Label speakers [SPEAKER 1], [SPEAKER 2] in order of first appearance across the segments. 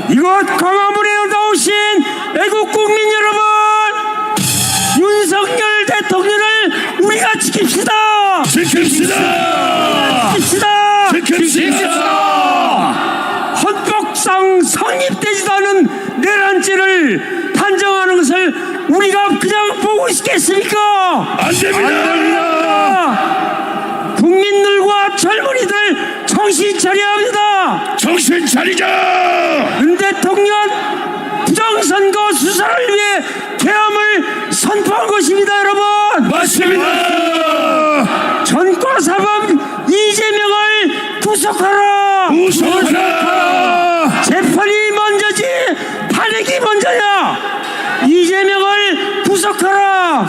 [SPEAKER 1] 이곳 광화문에 나오신 애국 국민 여러분, 윤석열 대통령을 우리가 지킵시다.
[SPEAKER 2] 지킵시다.
[SPEAKER 1] 헌법상 성립되지도 않은 내란죄를 판정하는 것을 우리가 그냥 보고 있겠습니까?
[SPEAKER 2] 안 됩니다.
[SPEAKER 1] 국민들과 젊은이들 정신 차려야 합니다.
[SPEAKER 2] 정신 차리자.
[SPEAKER 1] 윤 대통령 부정선거 수사를 위해 계엄을 선포한 것입니다. 여러분,
[SPEAKER 2] 맞습니다.
[SPEAKER 1] 전과사범 이재명을 구속하라. 재판이 먼저지 탄핵이 먼저야. 이재명을 구속하라.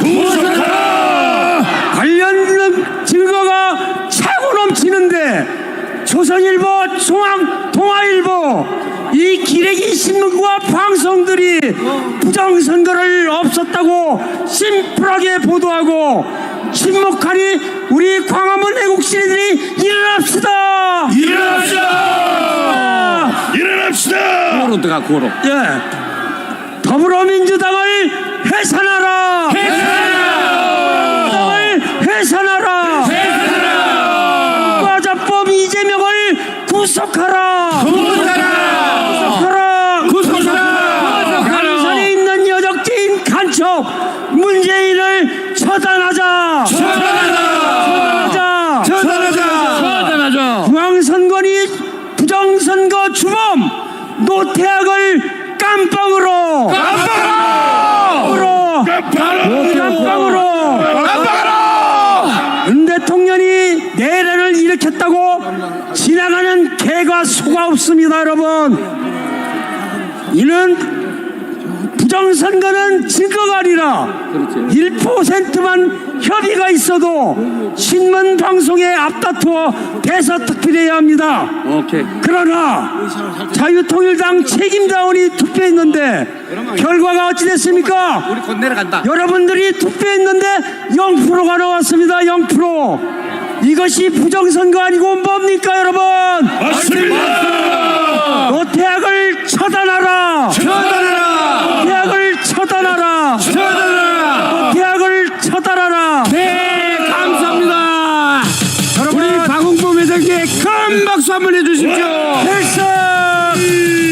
[SPEAKER 1] 관련 증거가 차고 넘치는데 조선일보, 동아일보, 이 기레기 신문과 방송들이 부정선거를 없었다고 심플하게 보도하고 침묵하니 우리 광화문 애국시민들이 일어납시다.
[SPEAKER 2] 일어납시다.
[SPEAKER 3] 고로 들어가 고로.
[SPEAKER 1] 예, 더불어민주당을 해산하라. 해산하라. 과자법 이재명을 구속하라. 강산에 있는 여적지인 간첩 문재인을 처단하자. 중앙선관위 부정선거 주범 노태악을 깜빵으로 윤 대통령이 내란을 일으켰다고 지나가는 개가 소가 없습니다. 여러분, 이는 부정선거는 증거가 아니라 1%만 협의가 있어도 신문방송에 앞다투어 대서특필해야 합니다. 그러나 자유통일당 책임자원이 투표했는데 결과가 어찌 됐습니까?
[SPEAKER 3] 우리 곧 내려간다.
[SPEAKER 1] 여러분들이 투표했는데 0%가 나왔습니다. 0%. 이것이 부정선거 아니고 뭡니까 여러분?
[SPEAKER 2] 맞습니다.
[SPEAKER 1] 노태악을 처단하라. 노태악을 처단하라. 노태악을 처단하라.
[SPEAKER 3] 네, 감사합니다. 우리 박홍범 회장님께 큰 박수 한번 해주십시오.
[SPEAKER 1] 필승!